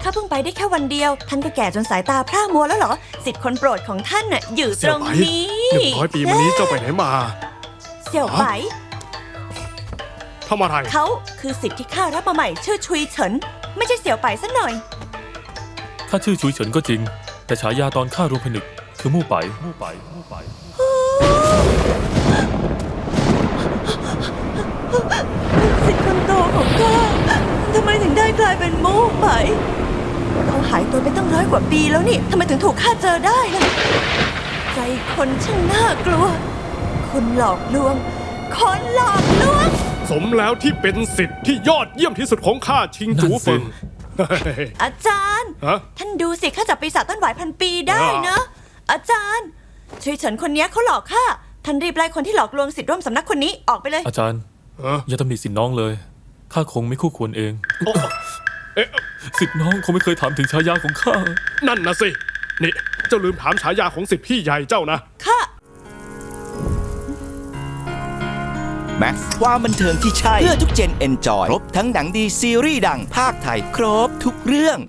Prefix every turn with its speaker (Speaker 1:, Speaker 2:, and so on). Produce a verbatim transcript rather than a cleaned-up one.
Speaker 1: ข้าเพิ่งไปได้แค่วันเดียวท่านก็แก่จนสายตาพร่ามัวแล้วเหรอสิทธิ์คนโปรดของท่านน่ะอยู่ตรงนี้
Speaker 2: หนึ่งร้อยปีมานี้เจ้าไปไหนมา
Speaker 1: เสี่ยวไป
Speaker 2: ทำอะไร
Speaker 1: เขาคือสิทธิ์ที่ข้ารับมาใหม่ชื่อชุยเฉินไม่ใช่เสี่ยวไปซะหน่อย
Speaker 3: ข้าชื่อชุยเฉินก็จริงแต่ฉายาตอนข้ารวมผนึกคือมู่ไปมู่ไปมู่ไป
Speaker 1: สิทธิ์คนโตของข้าทำไมถึงได้กลายเป็นมู่ไปเขาหายตัวไปตั้งร้อยกว่าปีแล้วนี่ทำไมถึงถูกข้าเจอได้ล่ะใจคนช่างน่ากลัวคนหลอกลวงคนหลอกลวง
Speaker 2: สมแล้วที่เป็นสิทธิ์ที่ยอดเยี่ยมที่สุดของข้าชิงจูเฟิง
Speaker 1: อาจารย์
Speaker 2: ฮะ
Speaker 1: ท่านดูสิข้าจับปีศาจต้นหวายพันปีได้นะ อาจารย์ชุยเฉินคนนี้เขาหลอกข้าท่านรีบไล่คนที่หลอกลวงสิทธิ์ร่วมสำนักคนนี้ออกไปเลย
Speaker 3: อาจารย์
Speaker 2: เออ
Speaker 3: อย่าตำหนิสิทธิ์น้องเลยข้าคงไม่คู่ควรเอง
Speaker 2: โอ้เอ๊ะ
Speaker 3: สิทธิ์น้องคงไม่เคยถามถึงฉายาของข้า
Speaker 2: นั่นนะสินี่เจ้าลืมถามฉายาของสิทธิ์พี่ใหญ่เจ้านะ
Speaker 1: ข้า
Speaker 4: แม็กซ์ความบันเทิงที่ใช่ เพื่อทุกเจนเอนจอย ครบทั้งหนังดีซีรีส์ดังภาคไทย ครบทุกเรื่อง